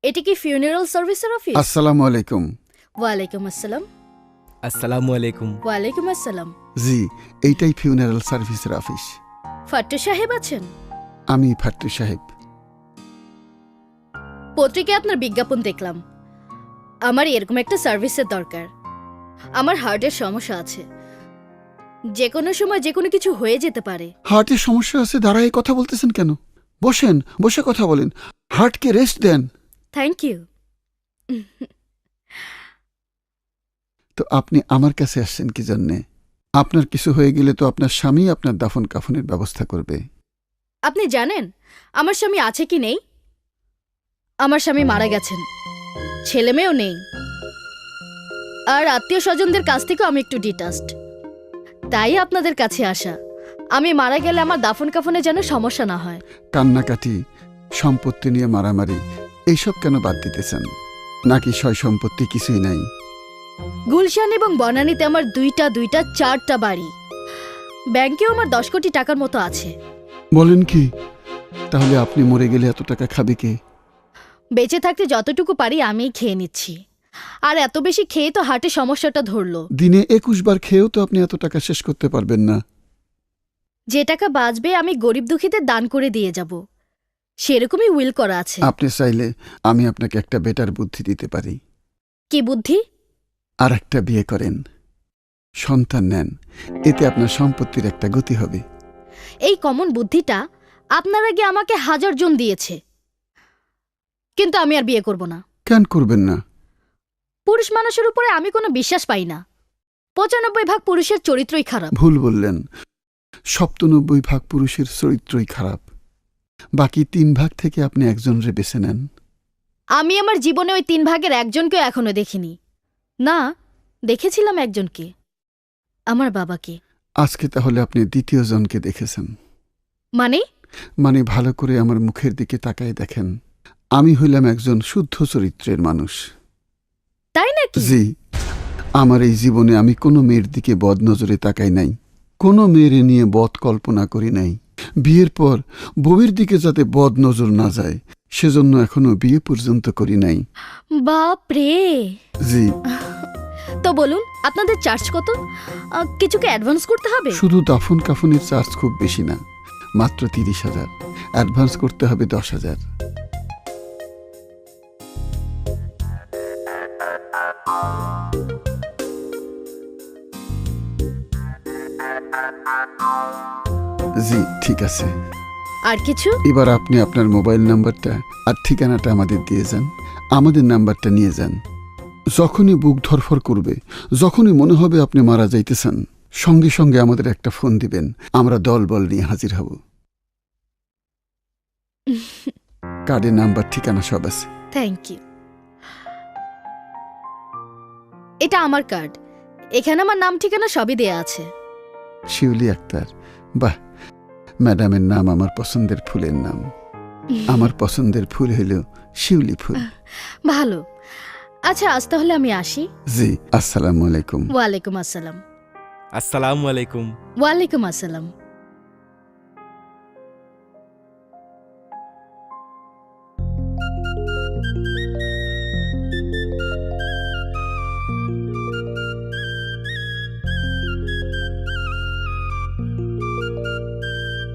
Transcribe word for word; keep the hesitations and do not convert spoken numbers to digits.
এটা কি ফিউনারাল সার্ভিসের অফিস? আসসালামু আলাইকুম। ওয়ালাইকুম আসসালাম। আসসালামু আলাইকুম। ওয়ালাইকুম আসসালাম। জি, এইটাই ফিউনারাল সার্ভিসের অফিস। ফাট্টু সাহেব আছেন? আমি ফাট্টু সাহেব। পত্রিকায় আপনার বিজ্ঞাপন দেখলাম। আমার এরকম একটা সার্ভিসের দরকার। আমার হার্টের সমস্যা আছে, যে কোনো সময় যে কোনো কিছু হয়ে যেতে পারে। হার্টের সমস্যা আছে দাঁড়ায় কথা বলতেছেন কেন? বসেন, বসে কথা বলেন। হার্টকে রেস্ট দেন। Thank you. তো আপনি আমার কাছে আসছেন কি জন্যে? আপনার কিছু হয়ে গেলে তো আপনার স্বামী আপনার দাফন কাফনের ব্যবস্থা করবে। আপনি জানেন আমার স্বামী আছে কি নেই? আমার স্বামী মারা গেছেন, ছেলে মেয়েও নেই, আর আত্মীয় স্বজনদের কাছ থেকেও আমি একটু ডিটাচড। তাই আপনাদের কাছে আসা। আমি মারা গেলে আমার দাফন কাফনে যেন সমস্যা না হয়। কান্নাকাটি, সম্পত্তি নিয়ে মারামারি, এইসব কেন বাদ দিতেছেন? নাকি সয় সম্পত্তি কিছুই নাই? গুলশান এবং বনানীতে আমার দুইটা দুইটা চারটা বাড়ি, ব্যাংকেও আমার দশ কোটি টাকার মতো আছে। বলেন কি? তাহলে আপনি মরে গেলে এত টাকা খাবে কে? বেঁচে থাকতে যতটুকু পারি আমিই খেয়ে নিচ্ছি, আর এত বেশি খেয়ে তো হার্টের সমস্যাটা ধরলো। দিনে একুশ বার খেয়েও তো আপনি এত টাকা শেষ করতে পারবেন না। যে টাকা বাঁচবে আমি গরিব দুঃখীদের দান করে দিয়ে যাব, সেরকমই উইল করা আছে। আপনি চাইলে আমি আপনাকে একটা বেটার বুদ্ধি দিতে পারি। কি বুদ্ধি? আর একটা বিয়ে করেন, সন্তান নেন, এতে আপনার সম্পত্তির একটা গতি হবে। এই কমন বুদ্ধিটা আপনার আগে আমাকে হাজার জন দিয়েছে, কিন্তু আমি আর বিয়ে করব না। কেন করবেন না? পুরুষ মানুষের উপরে আমি কোনো বিশ্বাস পাই না। পঁচানব্বই ভাগ পুরুষের চরিত্রই খারাপ। ভুল বললেন, সপ্তানব্বই ভাগ পুরুষের চরিত্রই খারাপ। বাকি তিন ভাগ থেকে আপনি একজনরে বেছে নেন। আমি আমার জীবনে ওই তিন ভাগের একজনকেও এখনো দেখিনি। না, দেখেছিলাম একজনকে, আমার বাবাকে। আজকে তাহলে আপনি দ্বিতীয় জনকে দেখেছেন। মানে? মানে ভালো করে আমার মুখের দিকে তাকায় দেখেন। আমি হইলাম একজন শুদ্ধ চরিত্রের মানুষ। তাই নাকি? জি, আমার এই জীবনে আমি কোনো মেয়ের দিকে বদ নজরে তাকাই নাই, কোনো মেয়ের নিয়ে বদ কল্পনা করি নাই। বিয়ের পর বউয়ের দিকে যাতে বদ নজর না যায় সেজন্য এখনো বিয়ে পর্যন্ত করি নাই। বাপ রে! জি। তো বলুন, আপনাদের চার্জ কত? আহ, কিছুকে অ্যাডভান্স করতে হবে? শুধু দাফন কাফনের চার্জ খুব বেশি না, মাত্র তিরিশ হাজার। অ্যাডভান্স করতে হবে দশ হাজার। জি ঠিক আছে। আর কিছু? এবার আপনি আপনার মোবাইল নাম্বারটা আর ঠিকানাটা আমাদের দিয়ে যান, আমাদের নাম্বারটা নিয়ে যান। যখনই বুক ধরফর করবে, যখনই মনে হবে আপনি মারা যাইতেছেন, সঙ্গে সঙ্গে আমাদের একটা ফোন দিবেন, আমরা দল বল নিয়ে হাজির হব। কার্ডের নাম্বার ঠিকানা সব আছে। Thank you. এটা আমার কার্ড, এখানে আমার নাম ঠিকানা সবই দেয়া আছে। শিউলি আক্তার। বাহ, ম্যাডামের নাম আমার পছন্দের ফুলের নাম। আমার পছন্দের ফুল হইল শিউলি ফুল। ভালো। আচ্ছা, আজ তাহলে আমি আসি। জি, আসসালামু আলাইকুম। ওয়ালাইকুম আসসালাম। আসসালামু আলাইকুম। ওয়ালাইকুম আসসালাম।